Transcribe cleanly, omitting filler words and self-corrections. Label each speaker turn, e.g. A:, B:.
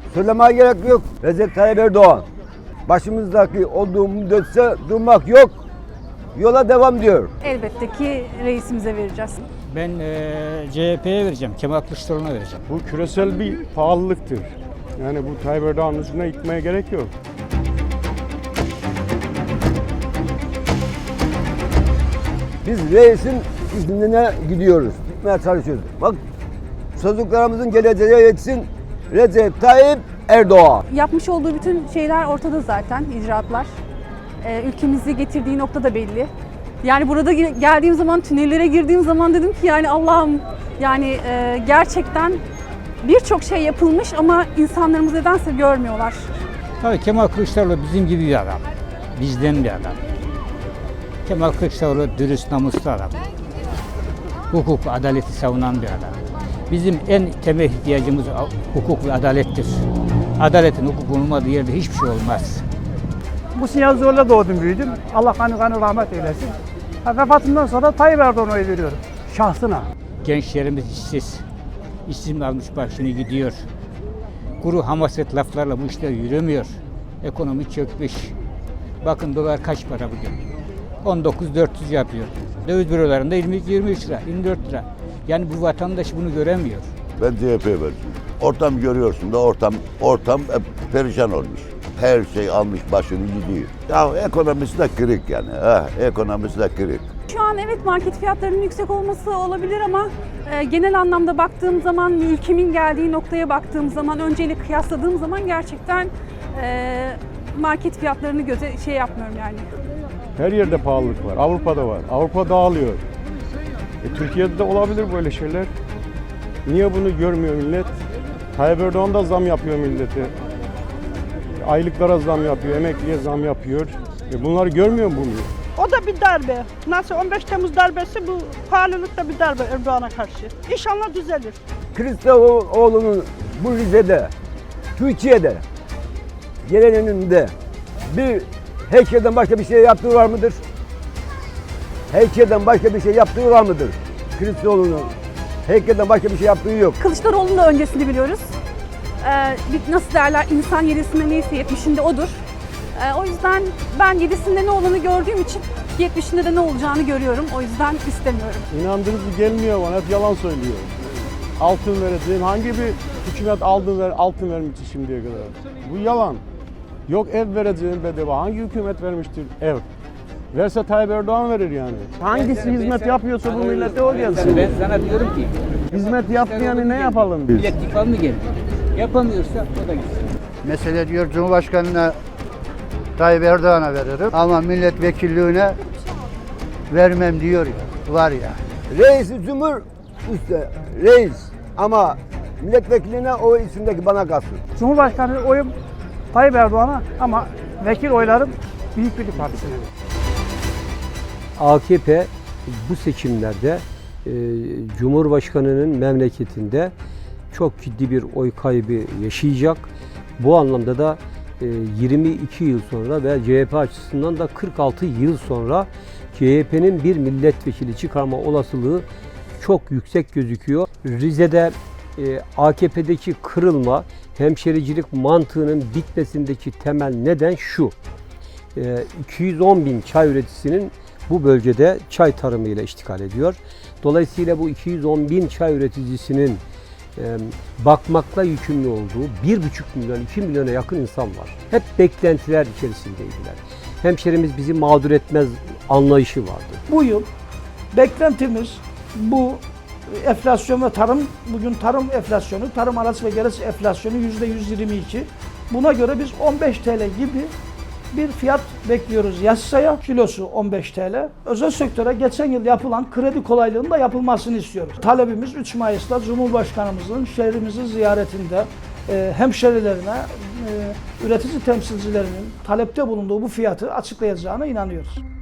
A: Söylemeye gerek yok. Recep Tayyip Erdoğan. Başımızdaki olduğu müddetçe durmak yok. Yola devam diyor.
B: Elbette ki reisimize vereceğiz.
C: Ben CHP'ye vereceğim, Kemal Kılıçdaroğlu'na vereceğim.
D: Bu küresel bir pahalılıktır. Yani bu Tayyip Erdoğan'ın üstüne gitmeye gerek yok.
A: Biz reisin iznine gidiyoruz. Gitmeye çalışıyoruz. Bak çocuklarımızın geleceğe yetsin Recep Tayyip Erdoğan.
B: Yapmış olduğu bütün şeyler ortada zaten, icraatlar. Ülkemizi getirdiği nokta da belli. Yani burada geldiğim zaman, tünellere girdiğim zaman dedim ki yani Allah'ım yani gerçekten birçok şey yapılmış ama insanlarımız nedense görmüyorlar.
C: Tabii Kemal Kılıçdaroğlu bizim gibi bir adam. Bizden bir adam. Kemal Kılıçdaroğlu dürüst, namuslu adam. Hukuk, adaleti savunan bir adam. Bizim en temel ihtiyacımız hukuk ve adalettir. Adaletin, hukukun olmadığı yerde hiçbir şey olmaz.
E: Bu sinyal zorla doğdum, büyüdüm. Allah kanı rahmet eylesin. Vefatından sonra Tayyip Erdoğan'a oy veriyorum. Şahsına.
C: Gençlerimiz işsiz. İşsiz almış başını gidiyor. Kuru hamaset laflarla bu işler yürümüyor. Ekonomi çökmüş. Bakın dolar kaç para bugün? 19.400 yapıyor. Döviz bürolarında 23 lira, 24 lira. Yani bu vatandaş bunu göremiyor.
F: Ben CHP'ye vereceğim. Ortam görüyorsun da ortam perişan olmuş. Her şey almış başını gidiyor. Ya ekonomisi de kırık yani. Ekonomisi de kırık.
B: Şu an evet market fiyatlarının yüksek olması olabilir ama genel anlamda baktığım zaman, ülkemin geldiği noktaya baktığım zaman, önceyle kıyasladığım zaman gerçekten market fiyatlarını yapmıyorum yani.
D: Her yerde pahalılık var. Avrupa'da var. Avrupa dağılıyor. Türkiye'de de olabilir böyle şeyler. Niye bunu görmüyor millet? Tayyip Erdoğan da zam yapıyor millete. Aylıklara zam yapıyor, emekliye zam yapıyor. Bunları görmüyor mu bunu?
G: O da bir darbe. Nasıl 15 Temmuz darbesi, bu pahalılık da bir darbe Erdoğan'a karşı. İnşallah düzelir.
A: Kılıçdaroğlu'nun bu Rize'de, Türkiye'de, gelenin önünde bir heykelden başka bir şey yaptığı var mıdır? Heykelden başka bir şey yaptığı var mıdır? Kılıçdaroğlu'nun heykelden başka bir şey yaptığı yok.
B: Kılıçdaroğlu'nun da öncesini biliyoruz. Nasıl derler, insan 7'sinde neyse 70'inde odur. O yüzden ben 7'sinde ne olanı gördüğüm için 70'inde de ne olacağını görüyorum. O yüzden istemiyorum.
D: İnandırıcı gelmiyor bana, hep yalan söylüyor. Altın vereceğim, hangi bir hükümet altın vermişti şimdiye kadar? Bu yalan. Yok ev vereceğim bedava, hangi hükümet vermiştir ev? Verse Tayyip Erdoğan verir yani. Hangisi hizmet yapıyorsa bu millete o gelsin.
C: Ben sana diyorum ki,
D: Hizmet yapmayanı ne yapalım biz?
C: Millet İttifakı mı geldi? Yapamıyorsa o da gitsin.
H: Mesele diyor Cumhurbaşkanı'na Tayyip Erdoğan'a veririm ama milletvekilliğine vermem diyor ya. Var ya.
A: Reisi Cumhur üstte reis ama milletvekiline o isimdeki bana kalsın.
E: Cumhurbaşkanı oyum Tayyip Erdoğan'a ama vekil oylarım Büyük Birlik Partisi'ne.
I: AKP bu seçimlerde Cumhurbaşkanı'nın memleketinde çok ciddi bir oy kaybı yaşayacak. Bu anlamda da 22 yıl sonra ve CHP açısından da 46 yıl sonra CHP'nin bir milletvekili çıkarma olasılığı çok yüksek gözüküyor. Rize'de AKP'deki kırılma, hemşericilik mantığının bitmesindeki temel neden şu. 210 bin çay üreticisinin bu bölgede çay tarımıyla iştikal ediyor. Dolayısıyla bu 210 bin çay üreticisinin bakmakla yükümlü olduğu 1,5 milyon, 2 milyona yakın insan var. Hep beklentiler içerisindeydiler. Hemşerimiz bizi mağdur etmez anlayışı vardı.
E: Bu yıl beklentimiz bu enflasyon ve tarım, bugün tarım enflasyonu, tarım arası ve gerisi enflasyonu %122. Buna göre biz 15 TL gibi bir fiyat bekliyoruz yasaya. Kilosu 15 TL. Özel sektöre geçen yıl yapılan kredi kolaylığının da yapılmasını istiyoruz. Talebimiz 3 Mayıs'ta Cumhurbaşkanımızın şehrimizi ziyaretinde hemşerilerine, üretici temsilcilerinin talepte bulunduğu bu fiyatı açıklayacağına inanıyoruz.